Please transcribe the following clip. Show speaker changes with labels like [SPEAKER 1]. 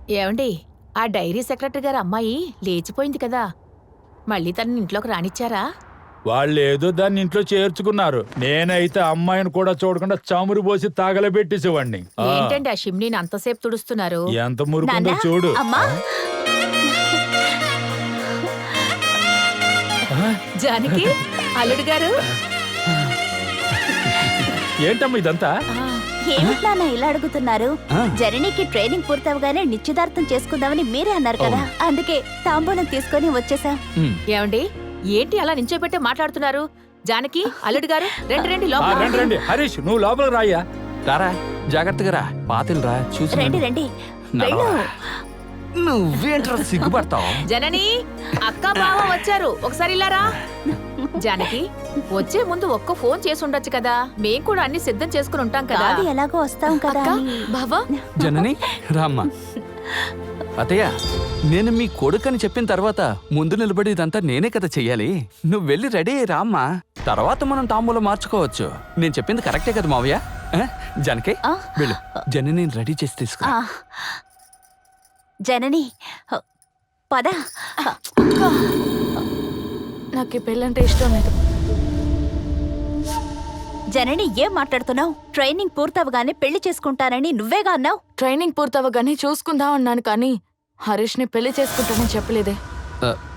[SPEAKER 1] ఏమండి, ఆ dairy secretary గారు అమ్మాయి లేచిపోయింది కదా, మళ్ళీ తనని ఇంట్లోకి రానిచ్చారా?
[SPEAKER 2] వాళ్ళేదో దాన్ని ఇంట్లో చేర్చుకున్నారు. నేనైతే అమ్మాయిని కూడా చూడకుండా చమురు పోసి తాగలబెట్టేసేవాడిని.
[SPEAKER 1] ఏంటండి ఆ షిమ్నీని అంతసేపు తుడుస్తున్నారు?
[SPEAKER 2] ఎంత మురుకుందో
[SPEAKER 3] నాన్నా,
[SPEAKER 2] చూడు.
[SPEAKER 3] అమ్మా.
[SPEAKER 1] జానకి, అల్లుడు గారు.
[SPEAKER 2] ఏంటమ్మా ఇదంతా?
[SPEAKER 3] ఏమిటి నాన్న ఇలా అడుగుతున్నారు? జననికి ట్రైనింగ్ పూర్తవగానే నిశ్చితార్థం చేసుకుందామని మీరే అన్నారు కదా, అందుకే తాంబూలం తీసుకొని వచ్చేసాం.
[SPEAKER 1] ఏమండి, ఏంటి అలా నించోబెట్టే మాట్లాడుతున్నారు? జానకి, అల్లుడు గారు, రండి రండి
[SPEAKER 2] ఆ,
[SPEAKER 1] లోపల.
[SPEAKER 2] రండి రండి. హరీష్ నువ్వు లోపలికి రాయ్యా.
[SPEAKER 4] రారా, జాగ్రత్తగా రా. పాతిల్ రా, చూసి
[SPEAKER 3] రండి రండి, వెళ్ళు.
[SPEAKER 4] నువ్వేంట్రా సిగ్గుపడతావు?
[SPEAKER 1] జనని, అక్క బావ వచ్చారు, ఒకసారి ఇలా రా. జానకి, వచ్చే ముందు ఒక్క ఫోన్ చేసి ఉండొచ్చు కదా, మేం కూడా అన్ని సిద్ధం చేసుకుని ఉంటాం కదా.
[SPEAKER 3] కాదు, ఎలాగో వస్తాం కదా
[SPEAKER 1] అక్క,
[SPEAKER 3] అని.
[SPEAKER 1] బావా,
[SPEAKER 4] జనని రామ్మా. అతయ్య, నేను మీ కొడుకని చెప్పిన తర్వాత ముందు నిలబడి ఇదంతా నేనే కదా చెయ్యాలి. నువ్వు వెళ్ళి రెడీ అయ్యి రామ్మా. తర్వాత మనం తాంబూలం మార్చుకోవచ్చు. నేను చెప్పింది కరెక్టే కదా మావయ్య? జనకి,
[SPEAKER 3] ఆ?
[SPEAKER 4] వెళ్ళు. జనని రెడీ చేసి తీసుకు.
[SPEAKER 3] ఆ, జనని పద.
[SPEAKER 5] నాకు ఈ పెళ్ళంటే ఇష్టం లేదు.
[SPEAKER 3] జనని, ఏం మాట్లాడుతున్నావు? ట్రైనింగ్ పూర్తవగానే పెళ్లి చేసుకుంటానని నువ్వేగా అన్నావు.
[SPEAKER 5] ట్రైనింగ్ పూర్తవగానే చూసుకుందాం అన్నాను, కానీ హరీష్ని పెళ్లి చేసుకుంటానని చెప్పలేదే.